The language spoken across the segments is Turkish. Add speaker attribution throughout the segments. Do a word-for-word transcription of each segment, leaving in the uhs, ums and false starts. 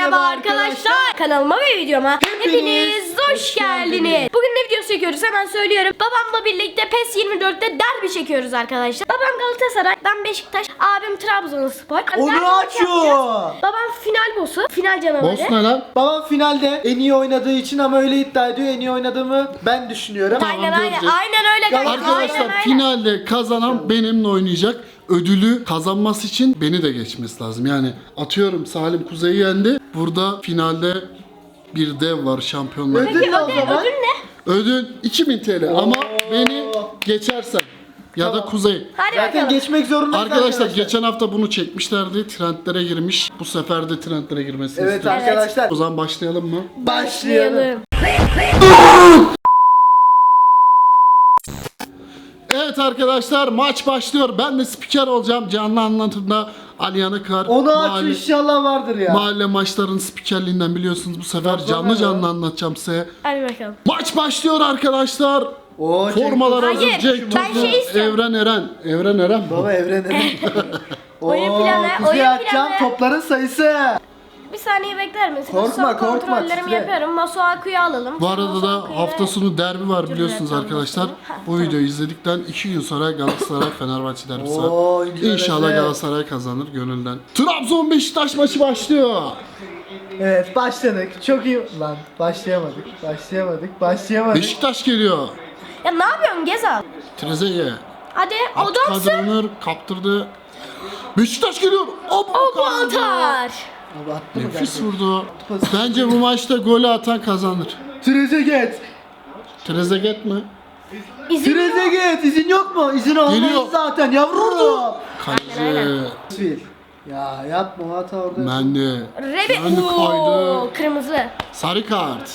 Speaker 1: Merhaba arkadaşlar. Kanalıma ve videoma
Speaker 2: Hepiniz
Speaker 1: hepiniz hoş
Speaker 2: hoş
Speaker 1: geldiniz.
Speaker 2: geldiniz.
Speaker 1: Bugün ne videosu çekiyoruz hemen söylüyorum. Babamla birlikte PES yirmi dörtte derbi çekiyoruz arkadaşlar. Babam Galatasaray, ben Beşiktaş, abim Trabzonspor.
Speaker 2: Onu
Speaker 1: Derbi
Speaker 2: açıyor.
Speaker 1: yapacağız. Babam final boss'u, final canavarı.
Speaker 3: Boss ne lan?
Speaker 2: Babam finalde en iyi oynadığı için ama öyle iddia ediyor. En iyi oynadığımı ben düşünüyorum.
Speaker 1: Aynen aynen
Speaker 3: göreceğiz.
Speaker 1: aynen öyle kanka.
Speaker 3: Arkadaşlar
Speaker 1: aynen, aynen.
Speaker 3: finalde kazanan benimle oynayacak. Ödülü kazanması için beni de geçmesi lazım. Yani atıyorum Salim Kuzey'i yendi. Burada finalde bir dev var, şampiyonlar.
Speaker 2: Ödül
Speaker 1: Peki
Speaker 2: ne o
Speaker 1: ödül,
Speaker 2: zaman?
Speaker 1: ödül ne?
Speaker 3: Ödül iki bin T L ama beni geçersen ya da
Speaker 2: Tamam.
Speaker 3: Kuzey.
Speaker 1: Hadi
Speaker 2: Zaten
Speaker 1: bakalım.
Speaker 2: geçmek zorundayız
Speaker 3: Arkadaşlar geçen hafta bunu çekmişlerdi. Trendlere girmiş. Bu sefer de trendlere girmesini
Speaker 2: Evet
Speaker 3: istiyorum.
Speaker 2: arkadaşlar.
Speaker 3: O zaman başlayalım mı?
Speaker 2: Başlayalım.
Speaker 3: Evet arkadaşlar, maç başlıyor. Ben de spiker olacağım. Canlı anlatımda Ali Yanıkar.
Speaker 2: Onu aç
Speaker 3: mahalle,
Speaker 2: inşallah vardır ya.
Speaker 3: mahalle maçlarının spikerliğinden biliyorsunuz. Bu sefer
Speaker 2: Tabii,
Speaker 3: canlı
Speaker 2: tabii.
Speaker 3: canlı anlatacağım size.
Speaker 1: Hadi bakalım.
Speaker 3: Maç başlıyor arkadaşlar.
Speaker 2: Oo,
Speaker 3: Formalar
Speaker 1: Hayır,
Speaker 3: hazır. Cenk
Speaker 1: ben
Speaker 3: Tosun,
Speaker 1: şey istiyorum.
Speaker 3: Evren Eren. Evren Eren bu.
Speaker 2: Baba evrene.
Speaker 1: Oyun
Speaker 2: Oo,
Speaker 1: planı,
Speaker 2: Kuzey
Speaker 1: oyun
Speaker 2: atacağım
Speaker 1: planı.
Speaker 2: topların sayısı.
Speaker 1: Bir saniye bekler misiniz?
Speaker 2: Korkma,
Speaker 1: Son
Speaker 2: korkma,
Speaker 1: kontrollerimi
Speaker 2: titre.
Speaker 1: yapıyorum. Masuaku'yu alalım.
Speaker 3: Bu arada da
Speaker 1: Masuaku'yu
Speaker 3: hafta
Speaker 1: ve-
Speaker 3: sonu derbi var biliyorsunuz
Speaker 1: Cumhuriyet
Speaker 3: arkadaşlar.
Speaker 1: Anlaşması. Ha,
Speaker 3: Bu
Speaker 1: tamam.
Speaker 3: videoyu izledikten iki gün sonra Galatasaray Fenerbahçe derbisi
Speaker 2: Oo,
Speaker 3: var.
Speaker 2: güzel,
Speaker 3: İnşallah
Speaker 2: güzel.
Speaker 3: Galatasaray kazanır gönülden. Trabzon Beşiktaş maçı başlıyor.
Speaker 2: Evet başladık. Çok iyi. Lan başlayamadık. Başlayamadık. Başlayamadık.
Speaker 3: Beşiktaş geliyor.
Speaker 1: Ya ne yapıyorsun Gezal?
Speaker 3: Trezeguet.
Speaker 1: Hadi adamsın.
Speaker 3: Kadronur kaptırdı. Beşiktaş geliyor. Abu
Speaker 1: O bu atar.
Speaker 2: Abi attı mı
Speaker 3: Nefis
Speaker 2: gerçekten?
Speaker 3: vurdu. Bence bu maçta golü atan kazanır.
Speaker 2: Trezeguet.
Speaker 3: Trezeguet mi?
Speaker 1: İzin yok.
Speaker 2: Trezeguet izin yok mu? İzin
Speaker 3: Geliyor.
Speaker 2: almayız zaten yavrum.
Speaker 3: Kaleci.
Speaker 2: Fil. Ya yapma o hata orada.
Speaker 3: Mendi.
Speaker 1: Rebe.
Speaker 3: Mendi
Speaker 1: Oo,
Speaker 3: kaydı.
Speaker 1: kırmızı.
Speaker 3: Sarı kart.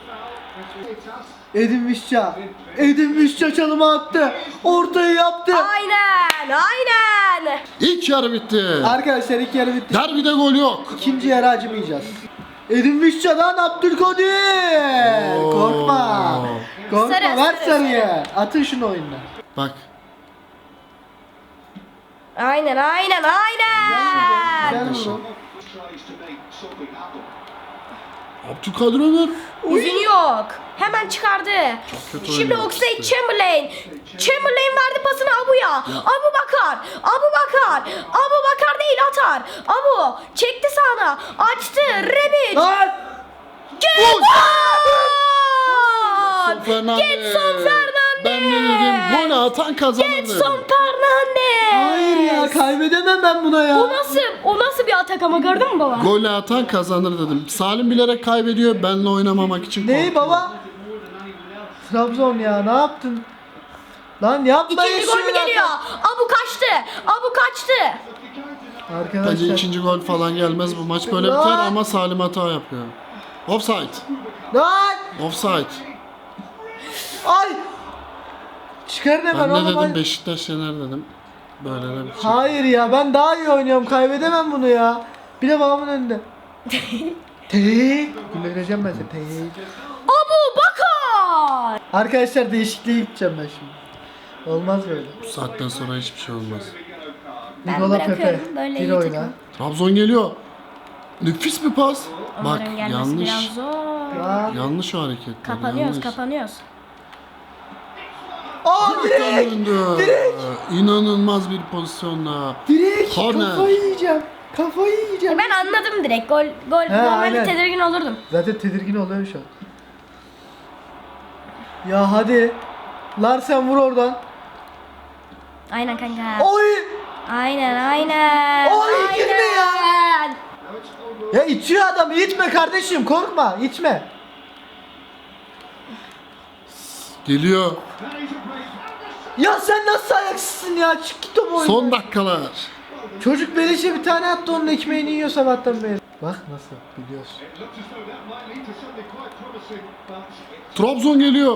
Speaker 2: Edin Mişça. Edin Mişça çalımı attı. Ortayı yaptı.
Speaker 1: Aynen aynen.
Speaker 3: İlk yarı bitti.
Speaker 2: Arkadaşlar ilk yarı bitti.
Speaker 3: Derbide gol yok.
Speaker 2: İkinci yarı acımayacağız. Edin Mişça'dan Abdülkadir.
Speaker 3: Oo.
Speaker 2: Korkma. Korkma
Speaker 1: Sarı,
Speaker 2: ver
Speaker 1: sarı,
Speaker 2: sarıyı. Atın şunu oyundan.
Speaker 3: Bak.
Speaker 1: Aynen aynen aynen.
Speaker 2: Güzel vurun.
Speaker 3: Abdülkadir Ömür.
Speaker 1: İzin yok. Hemen çıkardı.
Speaker 3: kötü
Speaker 1: Şimdi
Speaker 3: oynuyor
Speaker 1: Oxlade
Speaker 3: işte.
Speaker 1: Chamberlain. Chamberlain verdi pasını Abu'ya. Abu Bakar. Abu Bakar. Abu Bakar değil atar. Abu çekti sağına. Açtı. Rebic.
Speaker 2: Lan!
Speaker 3: Gol!
Speaker 1: Getson.
Speaker 3: Fernandes.
Speaker 1: Getson Fernandes.
Speaker 3: Ben ne dedim? Golü atan kazanır
Speaker 1: Getson
Speaker 3: dedim.
Speaker 1: Fernandes.
Speaker 2: Hayır ya kaybedemem ben buna ya.
Speaker 1: O nasıl, o nasıl bir atak ama gördün mü baba?
Speaker 3: Golü atan kazanır dedim. Salim bilerek kaybediyor. Benle oynamamak için
Speaker 2: Ney
Speaker 3: korkuyor.
Speaker 2: baba? Trabzon ya ne yaptın? Lan yapma
Speaker 1: İkinci gol mü
Speaker 2: yaşını
Speaker 1: geliyor? Abu kaçtı. Abu kaçtı.
Speaker 3: Bence
Speaker 2: Arkadaşlar.
Speaker 3: ikinci gol falan gelmez. Bu maç böyle
Speaker 2: Lan!
Speaker 3: biter ama Salim hata yapıyor. Offside.
Speaker 2: Lan!
Speaker 3: Offside.
Speaker 2: Ay! Çıkarın hemen
Speaker 3: Ben ne
Speaker 2: oğlum.
Speaker 3: dedim?
Speaker 2: hadi.
Speaker 3: Beşiktaş yener dedim. Böyle de bir şey.
Speaker 2: Hayır ya ben daha iyi oynuyorum kaybedemem bunu ya. Bir de babamın önünde. Tek. Güleceğim ben seni. Tek.
Speaker 1: Abu Bakar.
Speaker 2: Arkadaşlar değişikliğe gideceğim ben şimdi. Olmaz böyle.
Speaker 3: Bu saatten sonra hiçbir şey olmaz.
Speaker 1: Ben
Speaker 2: Nikola Pepe.
Speaker 1: bırakıyorum, böyle
Speaker 2: Bir
Speaker 1: iyi
Speaker 2: oyna.
Speaker 1: takım.
Speaker 3: Trabzon geliyor. Nefis bir pas. Bak
Speaker 1: Onların gelmesi
Speaker 3: yanlış.
Speaker 1: biraz zor.
Speaker 2: Lan.
Speaker 3: Yanlış o hareketler.
Speaker 1: Kapanıyoruz,
Speaker 3: yanlış.
Speaker 1: kapanıyoruz.
Speaker 2: Aa direkt.
Speaker 3: Döndü. İnanılmaz bir pozisyonla.
Speaker 2: Direkt.
Speaker 3: Korner.
Speaker 2: Kafayı yiyeceğim. Kafayı yiyeceğim.
Speaker 1: Ben anladım direkt. Gol, gol.
Speaker 2: He,
Speaker 1: Normalde
Speaker 2: aynen.
Speaker 1: tedirgin olurdum.
Speaker 2: Zaten tedirgin oluyorum şu an. Ya hadi. Larsen vur oradan.
Speaker 1: Aynen kanka.
Speaker 2: Oy!
Speaker 1: Aynen, aynen.
Speaker 2: Oy,
Speaker 1: aynen.
Speaker 2: girme ya. Ya itiyor adamı itme kardeşim korkma itme.
Speaker 3: Geliyor.
Speaker 2: Ya sen nasıl ayaksızsın ya çık git o boyuna.
Speaker 3: Son dakikalar.
Speaker 2: Çocuk beleşe bir tane attı onun ekmeğini yiyor sabahtan beri. Bak nasıl biliyorsun.
Speaker 3: Trabzon geliyor.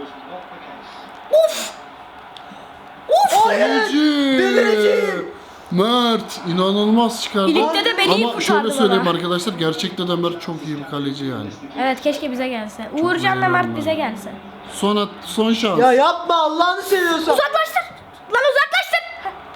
Speaker 2: Of
Speaker 3: Kaleci.
Speaker 2: delireceğim.
Speaker 3: Mert inanılmaz çıkardı.
Speaker 1: Birlikte de beni iyi
Speaker 3: Ama
Speaker 1: kurtardı
Speaker 3: şöyle söyleyeyim
Speaker 1: baba.
Speaker 3: arkadaşlar, gerçekten de Mert çok iyi bir kaleci yani.
Speaker 1: Evet, keşke bize gelse. Uğurcan ve Mert bize gelse.
Speaker 3: Son at, son şans.
Speaker 2: Ya yapma Allah'ını seviyorsan.
Speaker 1: Uzaklaştır. Lan uzaklaştır.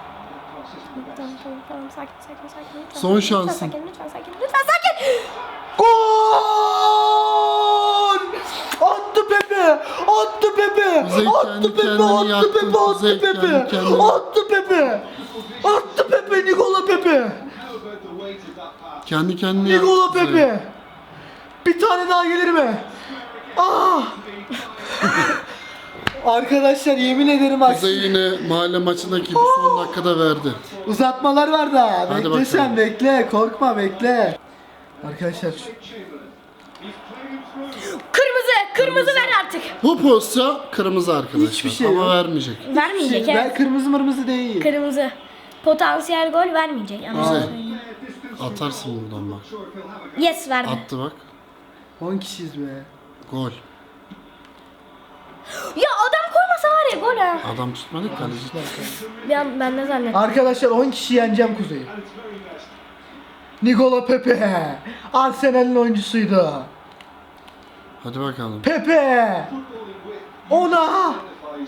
Speaker 1: Tamam, tamam, tamam. Sakin, sakin, sakin. Lütfen,
Speaker 3: Son
Speaker 1: lütfen
Speaker 3: şansın.
Speaker 1: Sakin, lütfen sakin, lütfen sakin.
Speaker 2: Gol! Attı Pepe! Attı Pepe!
Speaker 3: Kuzey
Speaker 2: Attı
Speaker 3: kendi
Speaker 2: Pepe!
Speaker 3: kendini
Speaker 2: Attı
Speaker 3: yaktı.
Speaker 2: Pepe!
Speaker 3: Kuzey
Speaker 2: Attı Pepe!
Speaker 3: kendi kendini-
Speaker 2: Attı Pepe! Attı Pepe! Nikola Pepe!
Speaker 3: Kendi kendine
Speaker 2: Nikola
Speaker 3: yaptı Kuzey.
Speaker 2: Pepe! Bir tane daha gelir mi? Ah! Arkadaşlar yemin ederim bak.
Speaker 3: Kuzey yine mahalle maçındaki gibi son dakikada verdi.
Speaker 2: Uzatmalar var da.
Speaker 3: Hadi
Speaker 2: Bekle sen
Speaker 3: bakalım.
Speaker 2: bekle. Korkma bekle. Arkadaşlar
Speaker 1: Kırmızı, kırmızı ver artık.
Speaker 3: Bu pozisyon kırmızı arkadaşlar.
Speaker 2: Hiçbir şey
Speaker 3: ama
Speaker 2: yok.
Speaker 3: vermeyecek.
Speaker 1: Vermeyecek
Speaker 2: ben
Speaker 1: evet.
Speaker 2: kırmızı mırmızı değil.
Speaker 1: Kırmızı. Potansiyel gol vermeyecek. Ama
Speaker 3: Kuzey. Atarsın buradan bak.
Speaker 1: yes verdi.
Speaker 3: Attı bak.
Speaker 2: on kişiyiz be.
Speaker 3: Gol.
Speaker 1: Ya adam koymasa var ya gol ha.
Speaker 3: Adam tutmadı kaleci.
Speaker 1: Bir an ben ne zannettim.
Speaker 2: Arkadaşlar on kişi yeneceğim Kuzey'i. Nikola Pepe. Arsenal'in oyuncusuydu.
Speaker 3: Hadi bakalım.
Speaker 2: Pepe. Ona.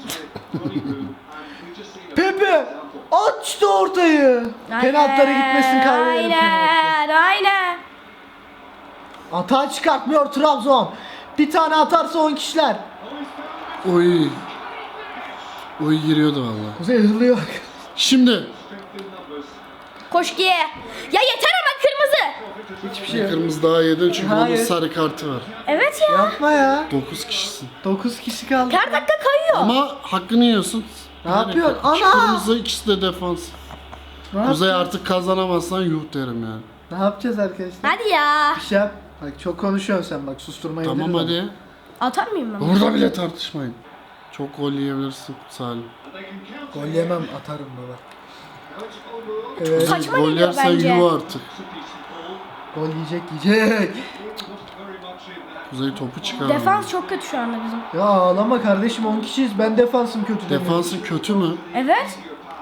Speaker 2: Pepe. Açtı ortayı. Penaltılara gitmesin kaybedelim penaltı.
Speaker 1: Aynen, aynen.
Speaker 2: Atağı çıkartmıyor Trabzon. Bir tane atarsa on kişiler.
Speaker 3: Oy. Oy giriyordu vallahi.
Speaker 2: Kuzey hırlıyor.
Speaker 3: Şimdi
Speaker 1: Koş ki. Ya yeter ama kırmızı.
Speaker 2: Hiçbir şey
Speaker 3: bir
Speaker 2: yok.
Speaker 3: kırmızı daha yedin çünkü onun
Speaker 2: Hayır.
Speaker 3: sarı kartı var.
Speaker 1: Evet ya.
Speaker 2: Yapma ya.
Speaker 3: dokuz kişisin.
Speaker 2: dokuz kişi kaldı.
Speaker 1: Her dakika kayıyor.
Speaker 3: Ama hakkını yiyorsun.
Speaker 2: Ne yapıyorsun?
Speaker 3: İki
Speaker 2: Ana!
Speaker 3: kırmızı, ikisi de defans.
Speaker 2: Ne,
Speaker 3: Kuzey
Speaker 2: yap-
Speaker 3: artık kazanamazsan yuh derim yani.
Speaker 2: ne yapacağız arkadaşlar?
Speaker 1: Hadi ya.
Speaker 2: Bir şey yap. Bak çok konuşuyorsun sen bak susturmayı
Speaker 3: Tamam
Speaker 2: bilirim
Speaker 3: hadi.
Speaker 1: Atar mıyım ben?
Speaker 3: Burada bile tartışmayın. Çok gol yiyebilirsin Salim.
Speaker 2: ama. Gol yemem atarım baba. Evet.
Speaker 1: Saçma
Speaker 3: Gol
Speaker 1: geliyor
Speaker 3: yersen
Speaker 1: bence.
Speaker 3: yuh artık.
Speaker 2: Gol yiyecek yiyecek.
Speaker 3: Kuzey topu çıkar.
Speaker 1: Defans çok kötü şu anda bizim.
Speaker 2: Ya ağlama kardeşim on kişiyiz. Ben defansım kötü demiyorum.
Speaker 3: Defansın kötü mü?
Speaker 1: Evet.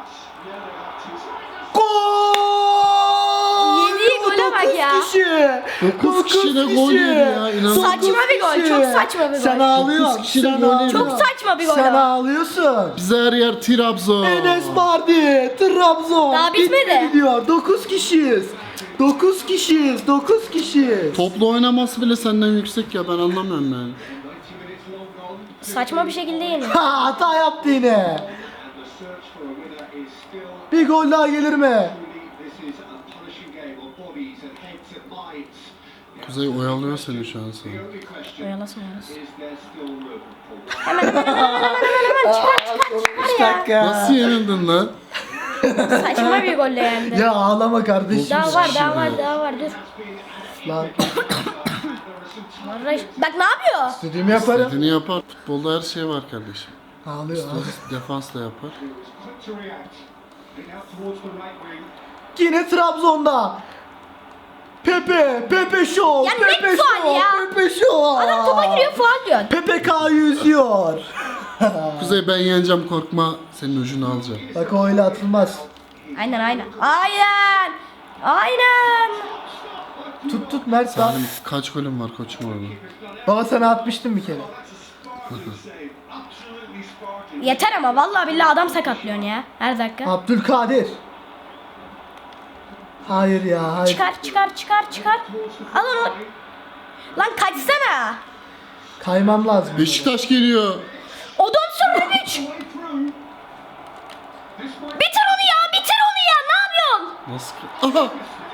Speaker 2: Gol!
Speaker 1: Yediği gole bak
Speaker 2: Dokuz
Speaker 1: ya.
Speaker 2: kişi.
Speaker 3: Dokuz kişi de gol yedi ya, inanılmaz.
Speaker 1: Saçma bir gol,
Speaker 2: kişi.
Speaker 1: çok saçma bir gol.
Speaker 2: Sen ağlıyorsun.
Speaker 3: Dokuz kişi de
Speaker 2: Sen
Speaker 3: gol yedi.
Speaker 2: ağlıyorsun.
Speaker 1: Çok saçma bir gol
Speaker 2: Sen
Speaker 1: o.
Speaker 2: ağlıyorsun.
Speaker 3: Bize her yer Trabzon.
Speaker 2: Enes Bardi, Trabzon.
Speaker 1: Daha bitmedi.
Speaker 2: diyor. dokuz kişiyiz. dokuz kişiyiz. dokuz kişiyiz.
Speaker 3: Toplu oynaması bile senden yüksek ya, ben anlamıyorum yani.
Speaker 1: Saçma bir şekilde yeniyor.
Speaker 2: Ha, hata yaptı yine. Bir gol daha gelir mi?
Speaker 3: Kuzey oyalıyor seni şu an sana.
Speaker 1: Oyalasın oyalasın. Hemen hemen hemen hemen hemen hemen çıkar çıkar
Speaker 2: üç
Speaker 1: çıkar ya.
Speaker 2: dakika.
Speaker 3: Nasıl yenildin lan?
Speaker 1: Saçma bir golle yendi.
Speaker 2: Ya ağlama kardeşim.
Speaker 1: Daha var daha
Speaker 3: kişi
Speaker 1: var
Speaker 3: ya.
Speaker 1: daha var dur.
Speaker 2: Lan
Speaker 1: Vallahi- Bak ne yapıyor?
Speaker 2: istediğimi yaparım.
Speaker 3: Dediğini yapar. Futbolda her şey var kardeşim.
Speaker 2: Ağlıyor. ağlıyor.
Speaker 3: Defans da yapar.
Speaker 2: Yine Trabzon'da. Pepe, Pepe Show,
Speaker 1: Ya ne
Speaker 2: Pepe
Speaker 1: faul
Speaker 2: Show,
Speaker 1: ya?
Speaker 2: Pepe Show.
Speaker 1: Adam topa giriyor faul diyor.
Speaker 2: Pepe K'yı üzüyor.
Speaker 3: Kuzey ben yeneceğim, korkma, senin ucunu alacağım.
Speaker 2: Bak o öyle atılmaz.
Speaker 1: Aynen aynen. Aynen. Aynen.
Speaker 2: Tut tut Mert daha.
Speaker 3: Salim kaç golüm var koçum orada?
Speaker 2: Baba sana atmıştım bir kere.
Speaker 1: Yeter ama vallahi billahi adam sakatlıyorsun ya her dakika.
Speaker 2: Abdülkadir. Hayır ya hayır.
Speaker 1: Çıkar çıkar çıkar çıkar. Al onu. Lan kaçsana.
Speaker 2: Kaymam lazım.
Speaker 3: Beşiktaş geliyor.
Speaker 1: O dönsün Rebic. Bitir onu ya bitir onu ya ne yapıyorsun?
Speaker 3: Nasıl? Aha!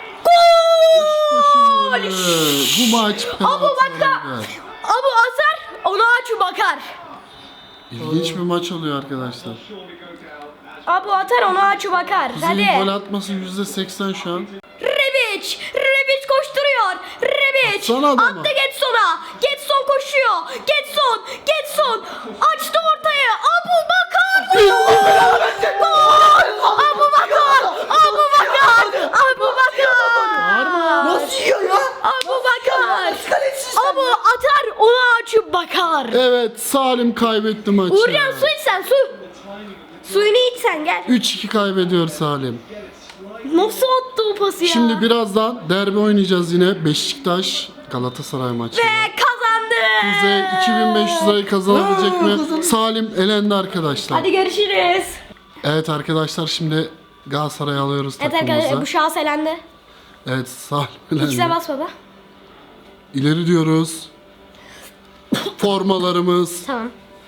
Speaker 1: Gol.
Speaker 3: Beşiktaş'ın golü. Bu maç
Speaker 1: Abu
Speaker 3: penaltılara
Speaker 1: Bakar.
Speaker 3: gider.
Speaker 1: Abu Azar ona açı bakar.
Speaker 3: İlginç bir maç oluyor arkadaşlar.
Speaker 1: Abu atar ona açı bakar.
Speaker 3: Kuzey'in
Speaker 1: Hadi.
Speaker 3: gol atması yüzde seksen şu an.
Speaker 1: Rebic. Rebic koşturuyor. Rebic.
Speaker 3: Atsana adamı.
Speaker 1: Attı Getson'a. Getson koşuyor. Getson. Getson. Açtı ortaya. Abu Bakar. Gol. Abu Bakar. Abu Bakar. Abu Bakar.
Speaker 2: Nasıl yiyor ya?
Speaker 1: Abu Bakar. Abu atar ona açıp bakar.
Speaker 3: Evet, Salim kaybetti maçı.
Speaker 1: Uğurcan su iç sen su. Suyunu iç sen gel.
Speaker 3: üç iki kaybediyor Salim.
Speaker 1: Nasıl attı o pası ya?
Speaker 3: Şimdi birazdan derbi oynayacağız yine. Beşiktaş Galatasaray maçı.
Speaker 1: Ve kazandı.
Speaker 3: Kuzey iki bin beş yüz lirayı kazanabilecek mi? Salim elendi arkadaşlar.
Speaker 1: Hadi görüşürüz.
Speaker 3: Evet arkadaşlar, şimdi Galatasaray'ı alıyoruz
Speaker 1: Evet arkadaşlar
Speaker 3: takımımıza.
Speaker 1: bu şahıs elendi.
Speaker 3: Evet, Salim
Speaker 1: X'e
Speaker 3: elendi.
Speaker 1: bas baba.
Speaker 3: İleri diyoruz. Formalarımız.
Speaker 1: Tamam.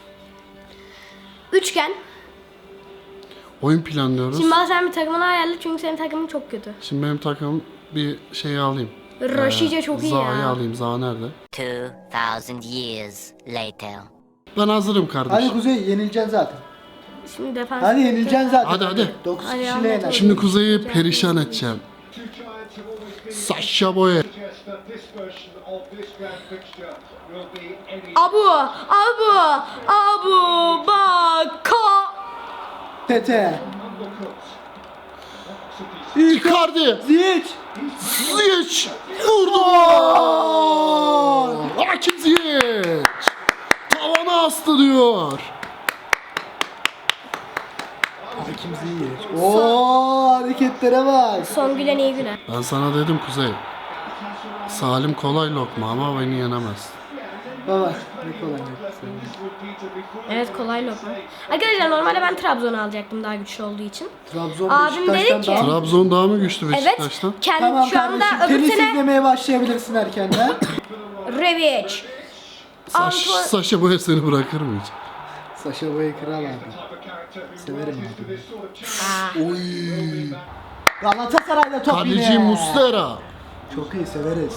Speaker 1: Üçgen.
Speaker 3: Oyun planlıyoruz.
Speaker 1: Şimdi bana sen bir takımını ayarla çünkü senin takımın çok kötü.
Speaker 3: Şimdi benim takımım bir şeyi alayım.
Speaker 1: Raşice çok iyi
Speaker 3: Zaha'yı
Speaker 1: ya.
Speaker 3: alayım. Zaha nerede?
Speaker 4: Two thousand years later.
Speaker 3: Ben hazırım
Speaker 2: Hadi
Speaker 3: kardeşim.
Speaker 2: Kuzey yenileceksin zaten.
Speaker 1: Şimdi defans.
Speaker 2: Hadi yenileceksin zaten.
Speaker 3: Hadi, hadi.
Speaker 2: dokuz
Speaker 1: Hadi,
Speaker 2: kişiyle
Speaker 1: hadi.
Speaker 2: yener.
Speaker 3: Şimdi Kuzey'i perişan edeceğim. Sasha Boye.
Speaker 1: Abu, Abu, Abu Bakar.
Speaker 2: Tete.
Speaker 3: Icardi.
Speaker 2: Ziyech.
Speaker 3: Ziyech. Vurdu. Hakim Ziyech. Tavana astı diyor.
Speaker 2: Hakim Ziyech. Oo hareketlere bak.
Speaker 1: Son gülen iyi güler.
Speaker 3: Ben sana dedim Kuzey. Salim kolay lokma ama beni yenemez.
Speaker 2: Baba ne kolay yok.
Speaker 1: Evet kolay lokma. Arkadaşlar normalde ben Trabzon'u alacaktım daha güçlü olduğu için.
Speaker 2: Trabzon
Speaker 1: Abim dedi
Speaker 2: Beşiktaş'tan
Speaker 1: ki-
Speaker 2: daha...
Speaker 3: Trabzon daha mı güçlü
Speaker 1: Evet.
Speaker 3: Beşiktaş'tan?
Speaker 1: Kendi
Speaker 2: Tamam
Speaker 1: şu anda
Speaker 2: kardeşim
Speaker 1: öbür
Speaker 2: tenis
Speaker 1: sene
Speaker 2: izlemeye başlayabilirsin erkenden.
Speaker 1: Revic.
Speaker 3: Saş,
Speaker 1: Anto-
Speaker 3: Sasha Boye seni bırakır mı hiç?
Speaker 2: Saşa Boya kral abi. Severim abi.
Speaker 1: Aa,
Speaker 2: Oy. Galatasaray'da top yine.
Speaker 3: Kaleci Muslera.
Speaker 2: Çok iyi severiz.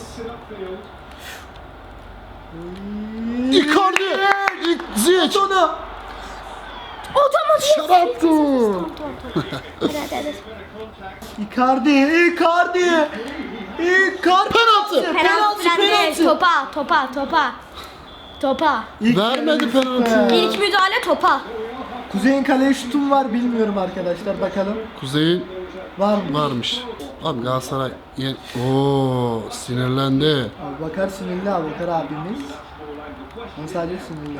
Speaker 3: Icardi. İk- Ziyech.
Speaker 2: Onu.
Speaker 1: Otomatik.
Speaker 3: Şaraptı.
Speaker 1: Hadi hadi hadi.
Speaker 2: Icardi, Icardi. Icardi.
Speaker 3: Penaltı.
Speaker 1: Penaltı falan değil. Topa, topa, topa. Topa.
Speaker 2: İlk
Speaker 3: Vermedi
Speaker 2: yarı
Speaker 3: penaltıyı.
Speaker 2: üstü.
Speaker 1: İlk müdahale topa.
Speaker 2: Kuzey'in kaleye şutum var bilmiyorum arkadaşlar bakalım.
Speaker 3: Kuzey'in
Speaker 2: Var mı?
Speaker 3: varmış. Abi Galatasaray yen... Oo sinirlendi.
Speaker 2: Abi bakar sinirli abi bakar abimiz. Ama sadece sinirli.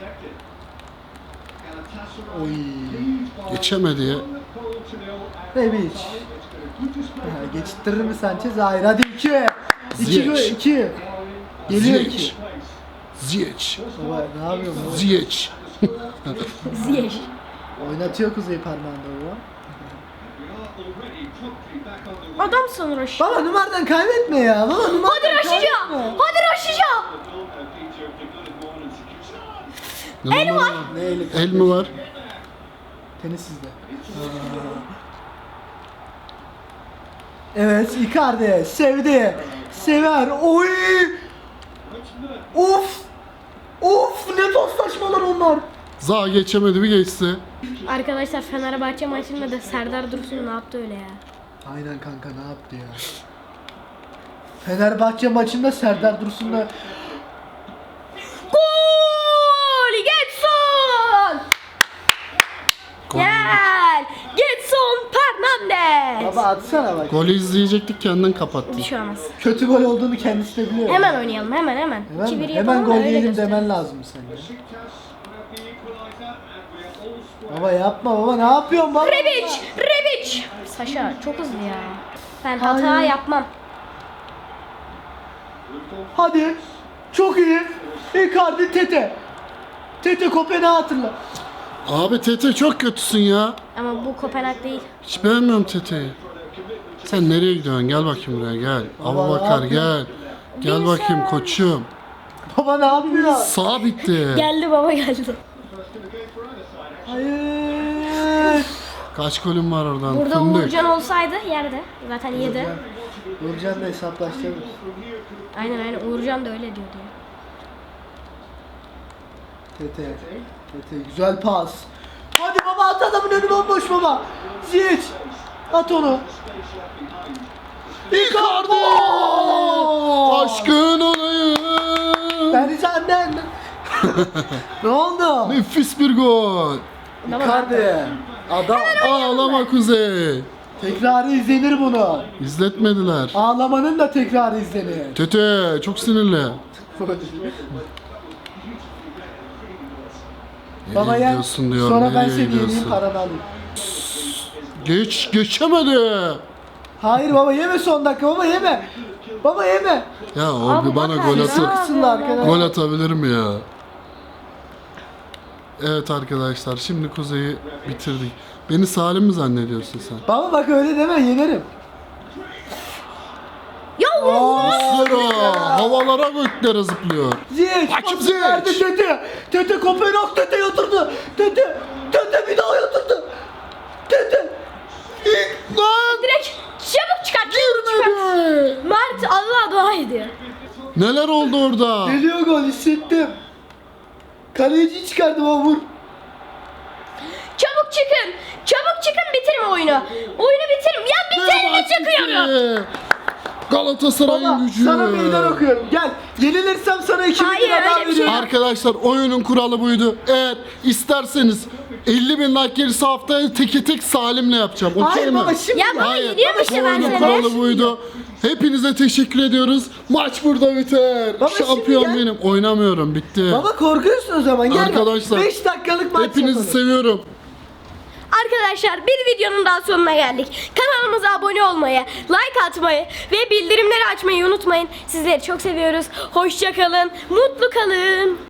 Speaker 2: Oy.
Speaker 3: Geçemedi ya.
Speaker 2: Rebic. Ha, geçittirir mi Sanchez? Hayır hadi iki. İki.
Speaker 3: Ziyech.
Speaker 2: iki. Geliyor
Speaker 3: Ziyech.
Speaker 2: iki.
Speaker 3: Ziyech.
Speaker 2: Baba ne yapıyorsun baba?
Speaker 3: Ziyech.
Speaker 1: Ziyech.
Speaker 2: Oynatıyor Kuzey parmağında baba.
Speaker 1: Adamsın Raşi.
Speaker 2: Baba numaradan kaybetme ya. Baba numaradan
Speaker 1: Hadi Raşica. Hadi Raşica.
Speaker 3: El var.
Speaker 2: Ne eli
Speaker 3: El mi var?
Speaker 2: Tenis sizde. Evet Icardi sevdi. Sever. Oy. Of. Of ne paslaşmalar onlar.
Speaker 3: Zaha geçemedi bir geçse.
Speaker 1: Arkadaşlar Fenerbahçe maçında da Serdar Dursun ne yaptı öyle ya?
Speaker 2: Aynen kanka ne yaptı ya. Fenerbahçe maçında Serdar Dursun'la
Speaker 1: Gol! Getson!
Speaker 3: Gol.
Speaker 1: Gel! Getson Fernandez!
Speaker 2: baba atsana bak.
Speaker 3: Golü izleyecektik kendin kapattın.
Speaker 1: Bir şey olmaz.
Speaker 2: Kötü gol olduğunu kendisi de biliyor.
Speaker 1: Hemen oynayalım hemen hemen.
Speaker 2: Hemen,
Speaker 1: iki
Speaker 2: mi?
Speaker 1: bir
Speaker 2: Hemen
Speaker 1: yapalım da
Speaker 2: gol
Speaker 1: öyle
Speaker 2: yiyelim
Speaker 1: gösterelim.
Speaker 2: demen lazım sen ya. Baba yapma baba ne yapıyorsun baba?
Speaker 1: Rebic! Rebic! Saşa çok hızlı ya. Ben hata
Speaker 2: Hayır.
Speaker 1: yapmam.
Speaker 2: Hadi. Çok iyi. Icardi Tete. Tete Kopenhag'ı hatırla.
Speaker 3: Abi Tete çok kötüsün ya.
Speaker 1: Ama bu Kopenhag değil.
Speaker 3: Hiç beğenmiyorum Tete'yi. Sen nereye gidiyorsun? Gel bakayım buraya gel.
Speaker 2: Baba,
Speaker 3: Abu
Speaker 2: ne
Speaker 3: Bakar
Speaker 2: yapıyorsun?
Speaker 3: gel. Gel
Speaker 1: Bilsem.
Speaker 3: bakayım koçum.
Speaker 2: Baba ne yapıyor?
Speaker 3: Sağ bitti.
Speaker 1: Geldi baba geldi.
Speaker 2: Hayır.
Speaker 3: Kaç golün var oradan?
Speaker 1: Burada
Speaker 3: Fındık.
Speaker 1: Uğurcan olsaydı yerde. Zaten yedi.
Speaker 2: Nurcan da hesaplaşacağız.
Speaker 1: Aynen aynen Uğurcan da öyle diyordu ya.
Speaker 2: Tete. Tete güzel pas. Hadi baba at adamın önü bomboş baba. Ziyech. At onu.
Speaker 3: Icardi! Aşkın olayım.
Speaker 2: Ben senden. Ne oldu?
Speaker 3: Nefis bir gol.
Speaker 2: Icardi. Adam.
Speaker 3: Ağlama Kuzey.
Speaker 2: Tekrarı izlenir bunu.
Speaker 3: İzletmediler.
Speaker 2: Ağlamanın da tekrarı izlenir.
Speaker 3: Tete çok sinirli.
Speaker 2: Baba
Speaker 3: Nereye
Speaker 2: yen.
Speaker 3: gidiyorsun diyor.
Speaker 2: Sonra ben
Speaker 3: nereye
Speaker 2: seni yeneyim
Speaker 3: gidiyorsun?
Speaker 2: paranı alayım.
Speaker 3: Geç, geçemedi.
Speaker 2: Hayır baba yeme son dakika baba yeme. Baba yeme.
Speaker 3: Ya o
Speaker 1: Abi
Speaker 3: bir bana
Speaker 1: bak
Speaker 3: gol
Speaker 1: abi,
Speaker 3: atı,
Speaker 1: ne
Speaker 2: Kısımda arkadaşlar.
Speaker 3: gol atabilir mi ya? Evet arkadaşlar şimdi Kuzey'i bitirdik. Beni Salim mi zannediyorsun sen?
Speaker 2: Baba bak öyle deme yenerim.
Speaker 1: Ya
Speaker 3: Muslera. havalara göklere zıplıyor.
Speaker 2: Ziyech.
Speaker 3: Hakim
Speaker 2: pası verdi
Speaker 3: Ziyech.
Speaker 2: Tete. Tete Kopenhag Tete yatırdı. Tete. Tete bir daha yatırdı. Tete. İlk.
Speaker 3: Lan
Speaker 1: Direkt çabuk çıkart. Çabuk çıkart.
Speaker 3: girmedi.
Speaker 1: Mert Allah dua ediyor.
Speaker 3: Neler oldu orada?
Speaker 2: Geliyor gol hissettim. Kaleciyi çıkardım ama vur.
Speaker 1: Çabuk çıkın. Çabuk çıkın bitirme oyunu. Oyunu bitirin. Ya bitirme çıkıyorum.
Speaker 3: Galatasaray'ın
Speaker 2: Baba
Speaker 3: gücü.
Speaker 2: sana meydan okuyorum. Gel. Yenilirsem sana iki bin
Speaker 1: Hayır,
Speaker 2: lira daha
Speaker 1: öyle bir şey
Speaker 2: veriyorum.
Speaker 1: yok.
Speaker 3: Arkadaşlar oyunun kuralı buydu. Eğer isterseniz elli bin like gelirse haftaya teke tek Salim'le yapacağım. Okey
Speaker 2: Hayır
Speaker 3: mi?
Speaker 2: baba şimdi.
Speaker 1: Ya baba
Speaker 3: Hayır.
Speaker 1: yeniyorum işte ben
Speaker 3: Oyunun
Speaker 1: seni.
Speaker 3: kuralı buydu. Hepinize teşekkür ediyoruz. Maç burada biter.
Speaker 2: Baba şimdi
Speaker 3: Şampiyon
Speaker 2: gel.
Speaker 3: benim. Oynamıyorum. Bitti.
Speaker 2: Baba korkuyorsun o zaman. Gel
Speaker 3: Arkadaşlar,
Speaker 2: beş dakikalık maç
Speaker 3: Hepinizi
Speaker 2: yapalım.
Speaker 3: seviyorum.
Speaker 1: Arkadaşlar bir videonun daha sonuna geldik. Kanalımıza abone olmayı, like atmayı ve bildirimleri açmayı unutmayın. Sizleri çok seviyoruz. Hoşça kalın, mutlu kalın.